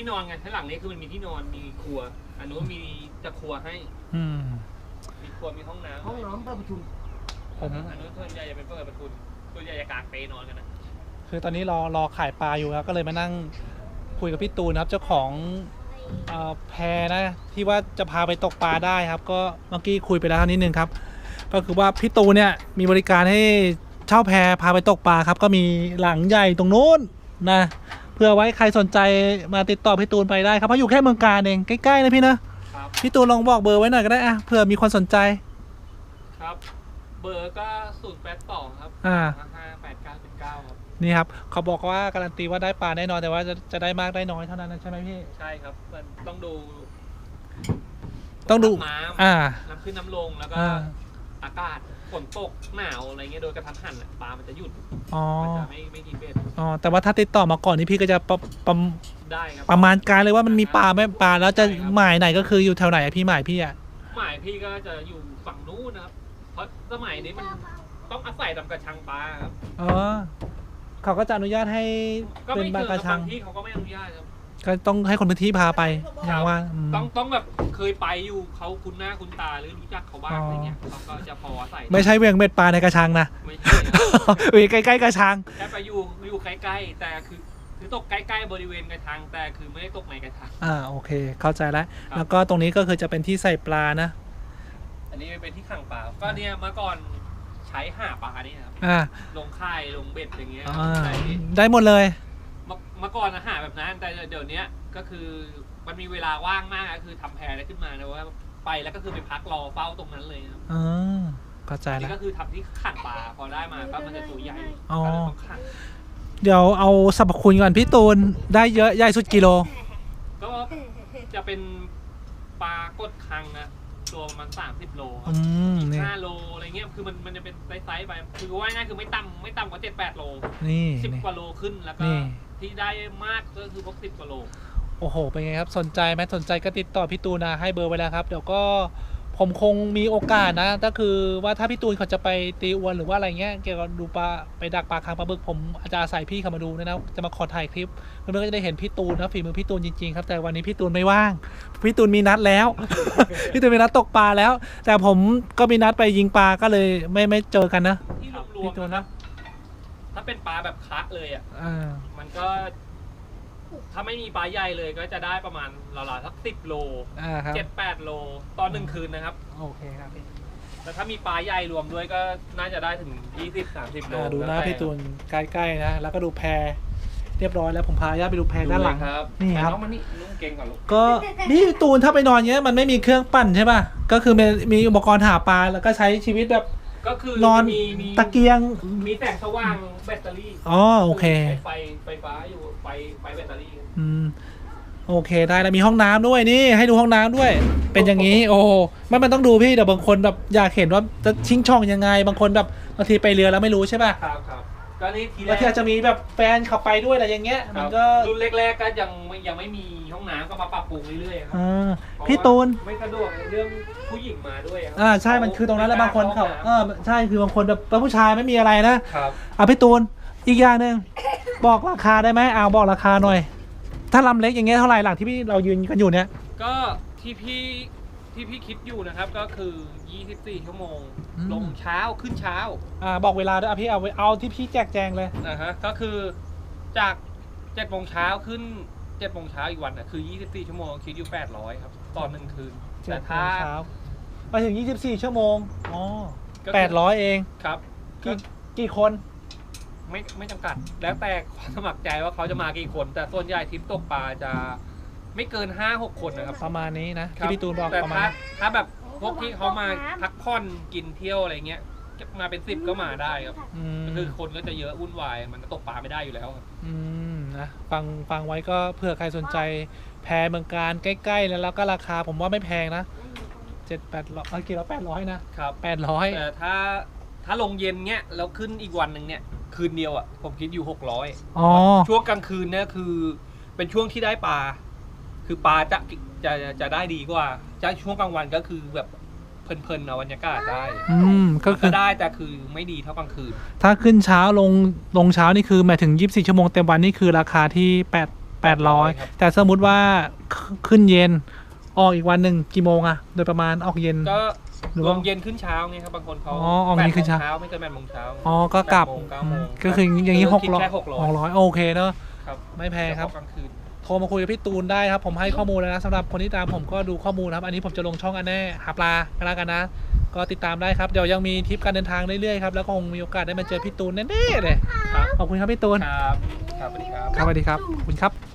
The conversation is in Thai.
นอนไงข้างหลังนี้คือมันมีที่นอนมีครัวอันนู้นมีจะครัวให้มีครัวมีห้องน้ำเปิดประตูอันนู้นส่วนใหญ่จะเป็นเปิดประตูส่วนใหญ่จะกางเปนอนกันนะคือตอนนี้รอขายปลาอยู่ครับก็เลยมานั่งคุยกับพี่ตูนครับเจ้าของแพนะที่ว่าจะพาไปตกปลาได้ครับก็เมื่อกี้คุยไปแล้วนิดนึงครับก็คือว่าพี่ตูนเนี่ยมีบริการให้เช่าแพพาไปตกปลาครับก็มีหลังใหญ่ตรงนู้นนะเพื่อไว้ใครสนใจมาติดต่อพี่ตูนไปได้ครับเพราะอยู่แค่เมืองกาญเองใกล้ๆนะพี่นะพี่ตูนลองบอกเบอร์ไว้หน่อยก็ได้อะเผื่อมีคนสนใจครับเบอร์ก็082ครับ558979ครับนี่ครับเขาบอกว่าการันตีว่าได้ปลาแน่นอนแต่ว่าจะได้มากได้น้อยเท่านั้นนะใช่ไหมพี่ใช่ครับมันต้องดูน้ำน้ำขึ้นน้ำลงแล้วก็อากาศฝนตกหนาวอะไรเงี้ยโดยกระทันหันปลามันจะหยุดมันจะไม่กินเบ็ดแต่ว่าถ้าติดต่อมาก่อนนี่พี่ก็จะได้ครับประมาณการเลยว่ามันมีปลาไหมปลาแล้วจะหมายไหนก็คืออยู่แถวไหนพี่หมายพี่อ่ะหมายพี่ก็จะอยู่ฝั่งนู้นนะครับเพราะสมัยนี้มันต้องอาศัยทำกระชังปลาครับเขาก็จะอนุญาตให้เป็นปลากระชังที่เขาก็ไม่อนุญาตครับก็ต้องให้คนพื้นที่พาไปอย่างว่าต้องแบบเคยไปอยู่เขาคุ้นหน้าคุ้นตาหรือรู้จักเขาบ้างอะไรเงี้ยเขาก็จะพอใส่ไม่ใช่เวียงเม็ดปลาในกระชังนะไม่ใช่ใกล้ๆกระชังแค่ไปอยู่ใกล้ๆแต่คือตกใกล้ๆบริเวณกระชังแต่คือไม่ได้ตกในกระชังโอเคเข้าใจแล้วก็ตรงนี้ก็คือจะเป็นที่ใส่ปลานะอันนี้เป็นที่ขังปลาก็เนี่ยเมื่อก่อนใช้หาปลานี่ครับลงค่ายลงเบ็ดอย่างเงี้ยได้หมดเลยเมื่อก่อนหาแบบนั้นแต่เดี๋ยวนี้ก็คือมันมีเวลาว่างมากก็คือทำแพได้ขึ้นมานะว่าไปแล้วก็คือไปพักรอเฝ้าตรงนั้นเลยครับเข้าใจแล้วนี่ก็คือทำที่ขังปลาพอได้มาก็มันจะตัวใหญ่เดี๋ยวเอาสรรพคุณก่อนพี่ตูนได้เยอะใหญ่สุดกิโลก็จะเป็นปลากดคังนะตัวประมาณ30 โล5 โลอะไรเงี้ยคือมันจะเป็นไซส์ไปคือว่าง่ายคือไม่ต่ำกว่า7-8 โลนี่ 10 กว่าโลขึ้นแล้วก็ที่ได้มากก็คือพวก10 กว่าโลโอ้โหเป็นไงครับสนใจไหมสนใจก็ติดต่อพี่ตูนนะให้เบอร์ไว้แล้วครับเดี๋ยวก็ผมคงมีโอกาสนะก็คือว่าถ้าพี่ตูนเขาจะไปตีอวนหรือว่าอะไรเงี้ยเกี่ยวกับดูปลาไปดักปลาคางปลาบึกผมอาจจะอาศัยพี่เขามาดูนะจะมาขอถ่ายคลิปเพื่อนๆก็จะได้เห็นพี่ตูนนะฝีมือพี่ตูนจริงๆครับแต่วันนี้พี่ตูนไม่ว่างพี่ตูนมีนัดแล้ว พี่ตูนมีนัดตกปลาแล้วแต่ผมก็มีนัดไปยิงปลาก็เลยไม่เจอกันนะพี่ตูนนะถ้าเป็นปลาแบบคะเลยมันก็ถ้าไม่มีปลาใหญ่เลยก็จะได้ประมาณราวๆสัก10 โล7-8 โลตอน1 คืนนะครับโอเคครับพี่แต่ถ้ามีปลาใหญ่รวมด้วยก็น่าจะได้ถึง20-30 โลดูหน้าพี่ตูนใกล้ๆนะแล้วก็ดูแพเรียบร้อยแล้วผมพาญาติไปดูแพด้านหลังนี่ครับน้องมันนี่นุ่งเก่งก่อนลูกก็นี่ตูนถ้าไปนอนเงี้ยมันไม่มีเครื่องปั่นใช่ป่ะก็คือมีอุปกรณ์หาปลาแล้วก็ใช้ชีวิตแบบก็คือนอนตะเกียงมีแสงสว่างแบตเตอรี่โอเคไฟฟ้าอยู่ไฟแบตเตอรี่โอเคได้แล้วมีห้องน้ำด้วยนี่ให้ดูห้องน้ำด้วยเป็นอย่างนี้โอ้มันต้องดูพี่เดี๋ยวบางคนแบบอยากเห็นว่าจะชิงช่องยังไงบางคนแบบบางทีไปเรือแล้วไม่รู้ใช่ป่ะครับก็นี่ทีแรกอาจจะมีแบบแฟนขับไปด้วยอะไรอย่างเงี้ยมันก็รุ่นแรกๆก็ยังไม่มีห้องน้ำก็มาปรับปรุงเรื่อยๆครับพี่ตูนไม่สะดวกเรื่องผู้หญิงมาด้วยใช่มันคือตรงนั้นแล้วบางคนเขาใช่คือบางคนแบบผู้ชายไม่มีอะไรนะครับพี่ตูนอีกอย่างนึงบอกราคาได้ไหมบอกราคาหน่อยถ้าลำเล็กอย่างเงี้ยเท่าไหร่หลังที่เรายืนกันอยู่เนี้ยก็ที่พี่คิดอยู่นะครับก็คือ24 ชั่วโมงลงเช้าขึ้นเช้าบอกเวลาด้วยพี่เอาที่พี่แจกแจงเลยก็คือจาก7 โมงเช้าขึ้น7 โมงเช้าอีกวันน่ะคือ24 ชั่วโมงคิดอยู่800ครับตอน1 คืนแต่ถ้าไปถึง24 ชั่วโมง800เองครับกี่คนไม่จำกัดแล้วแต่ความสมัครใจว่าเขาจะมากี่คนแต่ส่วนใหญ่ทริปตกปลาจะไม่เกิน 5-6 คนนะครับประมาณนี้นะที่พี่ตูนบอกประมาณถ้าแบบพวกที่เขามาพักผ่อนกินเที่ยวอะไรเงี้ยมาเป็น10ก็มาได้ครับคือคนก็จะเยอะวุ่นวายมันตกปลาไม่ได้อยู่แล้วครับนะฟังไว้ก็เผื่อใครสนใจแพเมืองการใกล้ๆแล้วก็ราคาผมว่าไม่แพงนะ700-800กี่ละ800นะครับ800 แต่ถ้าลงเย็นเงี้ยแล้วขึ้นอีกวันหนึ่งเนี่ยคืนเดียวผมคิดอยู่600ช่วงกลางคืนเนี่ยคือเป็นช่วงที่ได้ปลาคือปลาจะได้ดีกว่าจะช่วงกลางวันก็คือแบบเพลินๆเอาบรรยากาศได้ก็คือได้แต่คือไม่ดีเท่ากลางคืนถ้าขึ้นเช้าลงเช้านี่คือหมายถึง24 ชั่วโมงเต็มวันนี่คือราคาที่ 800 ครับแต่สมมุติว่าขึ้นเย็นออกอีกวันหนึ่งกี่โมงอะโดยประมาณออกเย็นก็หรือลว่างเย็นขึ้นเช้าไงครับบางคนเขาอ๋อออกเย็นขึ้นเช้าไม่เกิน8 โมงเช้าอ๋อก็กลับ 8 โมง 9 โมงก็คืออย่างนี้คิดแค่ 600โอเคเนอะครับไม่แพงครับเฉพาะกลางคืนโทรมาคุยกับพี่ตูนได้ครับ ผมให้ข้อมูลแล้วนะสำหรับคนที่ตามผมก็ดูข้อมูลนะครับ อันนี้ผมจะลงช่องอันแน่หาปลากันแล้วกันนะ ก็ติดตามได้ครับ เดี๋ยวยังมีทริปการเดินทางเรื่อยๆครับ แล้วก็คงมีโอกาสได้มาเจอพี่ตูนแน่ๆเลยครับขอบคุณครับพี่ตูนครับ ครับสวัสดีครับครับสวัสดีครับขอบคุณครับ